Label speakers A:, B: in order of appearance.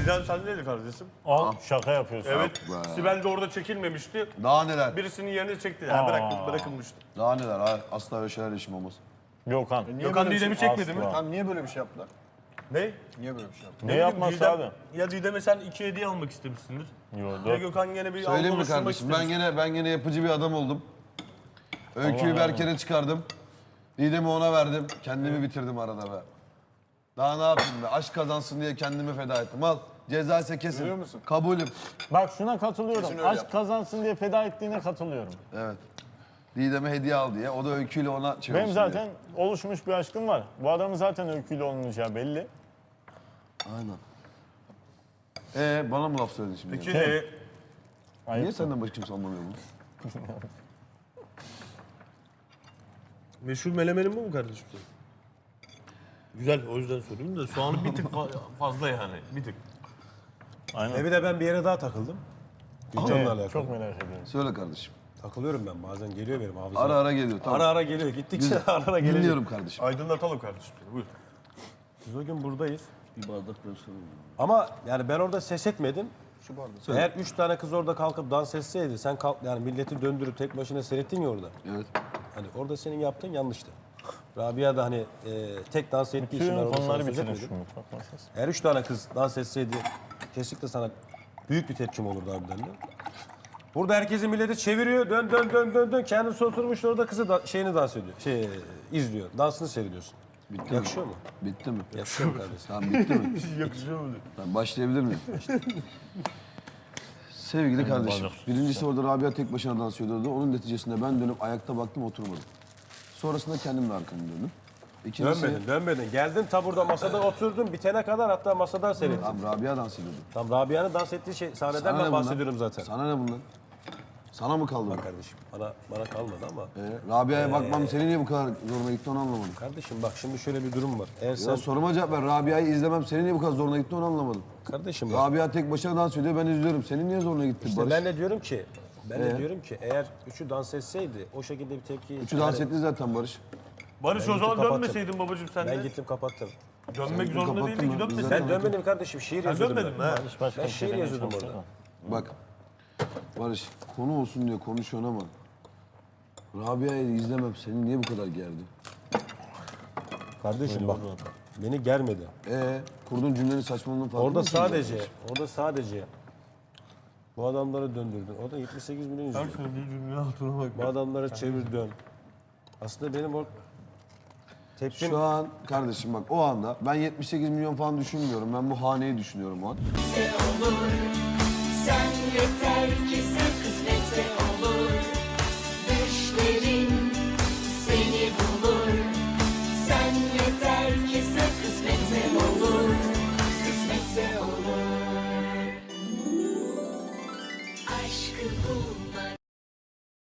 A: Didem sendeydi kardeşim.
B: Al şaka yapıyorsun.
A: Evet. Sibel de orada çekilmemişti.
C: Daha neler?
A: Birisinin yerine çekti. Ya bırakılmıştı.
C: Daha neler? Hayır, asla öyle şeyler işim olmaz.
B: Gökhan.
A: Gökhan Didem'i çekmedi mi?
B: Asla.
D: Tamam niye böyle bir şey yaptılar?
A: Ne?
D: Niye böyle bir şey yaptılar?
B: Ne
A: bileyim,
B: yapması
A: Didem-
B: abi?
A: Ya Didem'e sen 2 hediye almak istemişsindir.
B: Yo,
A: Ya
B: 4.
A: Gökhan gene bir
C: Söyleyeyim mi
A: oluşturmak
C: kardeşim?
A: istemiş.
C: Ben gene yapıcı bir adam oldum. Öyküyü Berker'e çıkardım. Didem'i ona verdim. Kendimi bitirdim arada be. Daha ne yapayım be? Aşk kazansın diye kendimi feda ettim. Al. Ceza ise kesin.
D: Görüyor musun?
C: Kabulüm.
B: Bak şuna katılıyorum.
D: Kesin öyle
B: Aşk
D: yaptı.
B: kazansın diye feda ettiğine katılıyorum.
C: Evet. Didem'e hediye al diye. O da öyküyle ona çevirsin
B: Benim zaten oluşmuş bir aşkım var. Bu adamın zaten öyküyle olmayacağı belli.
C: diye. Aynen. Bana mı laf söyledin şimdi?
A: Peki
C: Niye senden başka kimse anlamıyor bunu?
A: meşhur melemenin bu mu kardeşim senin? Güzel, o yüzden söyleyeyim de soğanı bir tık fazla yani, bir tık.
B: Aynen.
E: Bir de ben bir yere daha takıldım. Gülcan'la alakalı.
B: Çok merak ediyorum.
C: Söyle kardeşim.
E: Takılıyorum ben bazen geliyor benim hafızam.
C: Ara ara geliyor. Tamam.
E: Ara ara geliyor. Gittikçe ara ara geliyor.
C: Dinliyorum kardeşim.
A: Aydınlatalım kardeşim seni, buyur.
E: Biz o gün buradayız.
C: Bir bardak versene.
E: Ama yani ben orada ses etmedim.
D: Şu bardak.
E: Eğer 3 tane kız orada kalkıp dans etseydi sen kalk yani milleti döndürüp tek başına seyrettin ya orada.
C: Evet.
E: Hani orada senin yaptığın yanlıştı. Rabia da hani tek dans ettiği için ben
B: Tüm
E: orada sana
B: konuları
E: söz
B: bitirin
E: etmedim.
B: şu mutfak masası.
E: Eğer 3 tane kız dans etseydi kesinlikle sana büyük bir tepkim olurdu harbiden de. Burada herkesi milleti çeviriyor. Dön dön dön dön dön. Kendisi oturmuş orada kızı da, şeyini dans ediyor. İzliyor. Dansını seyrediyorsun.
C: Bitti
E: Yakışıyor mu?
C: Bitti mi?
E: Yakışıyor mu kardeşim?
C: Tamam bitti mi?
A: Yakışıyor mu?
C: Ben başlayabilir miyim? Sevgili kardeşim, birincisi orada Rabia tek başına dans ediyordu. Onun neticesinde ben dönüp ayakta baktım oturmadım. Sonrasında kendim de arkamı döndüm. İkincisi,
E: Dönmedin. Geldin ta burada masada oturdun. Bitene kadar hatta masadan seyrettin.
C: Tamam Rabia dans ediyordu.
E: Tam Rabia'nın dans ettiği sahneden
C: Sana ne
E: ben
C: bundan?
E: bahsediyorum zaten.
C: Sana ne bundan? Sana mı kaldı?
E: Bak kardeşim bana kalmadı ama.
C: Rabia'ya bakmam seni niye bu kadar zoruna gitti onu anlamadım.
E: Kardeşim bak şimdi şöyle bir durum var. Eğer sen
C: Ya soruma cevap ver. Rabia'yı izlemem seni niye bu kadar zoruna gitti onu anlamadım.
E: kardeşim bak.
C: Rabia tek başına dans ediyor ben izliyorum. Senin niye zoruna gitti
E: İşte
C: Barış?
E: ben de diyorum ki eğer üçü dans etseydi o şekilde bir tepki.
C: Üçü dans etti zaten Barış.
A: Barış
E: Ben
A: o zaman
E: gittim,
A: dönmeseydin babacığım sen
E: Ben
A: de.
E: gittim kapattım.
A: Dönmek
C: Sen
A: zorunda
C: kapattın
A: değildin
C: mı?
A: ki
C: Biz
A: dönmeseydin.
E: Ben dönmedim kardeşim şiir
A: Sen
E: yazıyordum
A: dönmedin mi?
E: ben.
A: Ha?
B: Hiç başka
E: Ben
B: bir şey
E: şiir
B: demeye
E: yazıyordum
B: çalışıyorum.
E: orada.
C: Bak Barış konu olsun diye konuşuyorsun ama Rabia'yı izlemem seni niye bu kadar gerdi?
E: Kardeşim bak beni germedi.
C: Kurduğun cümlenin saçmalığının farkında
E: Orada
C: mısın?
E: sadece bu adamları döndürdün. Orada 78 milyon izliyor.
A: Söylediği cümlenin altına bak.
E: Bu adamları çevir dön. Aslında benim o tepkim
C: Şu an kardeşim bak o anda ben 78 milyon falan düşünmüyorum. Ben bu haneyi düşünüyorum o an.
F: Sen yeter ki sen kısmetse